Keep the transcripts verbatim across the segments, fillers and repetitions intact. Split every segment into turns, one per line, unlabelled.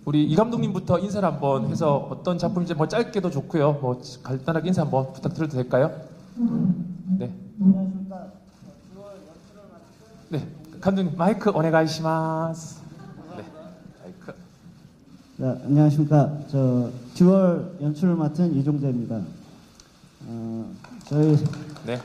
우리 이 감독님부터 인사를 한번 해서 어떤 작품인지 뭐 짧게도 좋고요. 뭐 간단하게 인사 한번 부탁드려도 될까요? 네. 네. 감독님 마이크 오네가이시마스. 네. 마이크.
네, 안녕하십니까. 저 듀얼 연출을 맡은 이종재입니다. 어, 저희
네.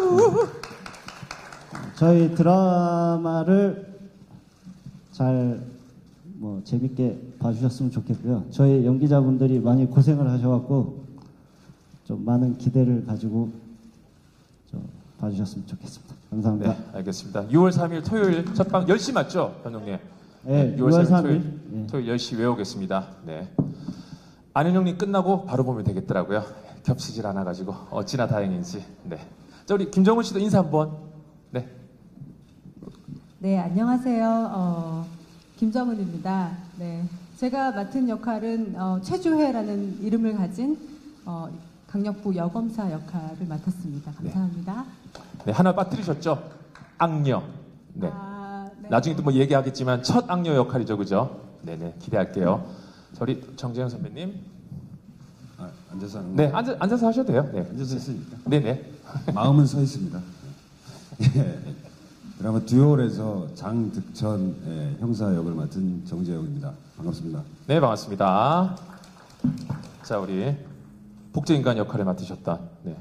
저희 드라마를 잘 뭐 재밌게 봐주셨으면 좋겠고요. 저희 연기자분들이 많이 고생을 하셔갖고 좀 많은 기대를 가지고 좀 봐주셨으면 좋겠습니다. 감사합니다.
네, 알겠습니다. 유월 삼일 토요일 첫방 열 시 맞죠, 감독님?
네,
유월
유월
삼일
삼일
토요일,
네.
토요일 열 시 외우겠습니다. 네. 안현영님 끝나고 바로 보면 되겠더라고요. 겹치질 않아가지고 어찌나 다행인지. 네. 자, 우리 김정은 씨도 인사 한번. 네.
네, 안녕하세요. 어, 김정은입니다. 네, 제가 맡은 역할은 어, 최주혜라는 이름을 가진 어, 강력부 여검사 역할을 맡았습니다. 감사합니다.
네, 하나 빠뜨리셨죠? 악녀. 네.
아, 네.
나중에 또 뭐 얘기하겠지만 첫 악녀 역할이죠, 그죠? 네네, 기대할게요. 저리 정재영 선배님.
아, 앉아서 하는
네,
거?
앉아, 앉아서 하셔도 돼요. 네.
앉아서 했으니까.
네네.
마음은 서 있습니다. 예. 드라마 듀얼에서 장득천 예, 형사 역을 맡은 정재영입니다. 반갑습니다.
네, 반갑습니다. 자, 우리 복제인간 역할을 맡으셨다. 네.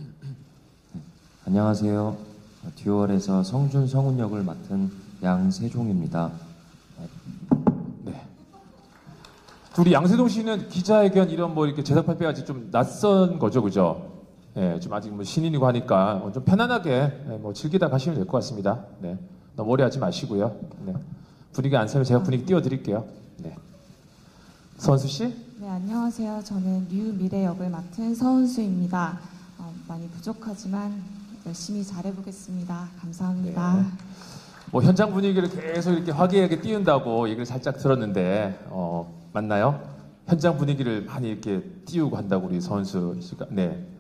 안녕하세요. 듀얼에서 성준 성훈 역을 맡은 양세종입니다.
네. 우리 양세동 씨는 기자회견 이런 뭐 이렇게 제작 발표까지 좀 낯선 거죠, 그죠? 예, 좀 아직 뭐 신인이고 하니까 좀 편안하게 예, 뭐 즐기다 가시면 될 것 같습니다. 네. 너무 오래하지 마시고요. 네. 분위기 안 서면 제가 분위기 띄워드릴게요. 네. 선수 씨?
네, 안녕하세요. 저는 류미래 역을 맡은 서은수입니다. 어, 많이 부족하지만 열심히 잘해보겠습니다. 감사합니다.
네. 뭐 현장 분위기를 계속 이렇게 화기애애하게 띄운다고 얘기를 살짝 들었는데 어, 맞나요? 현장 분위기를 많이 이렇게 띄우고 한다고 우리 선수 씨가 네.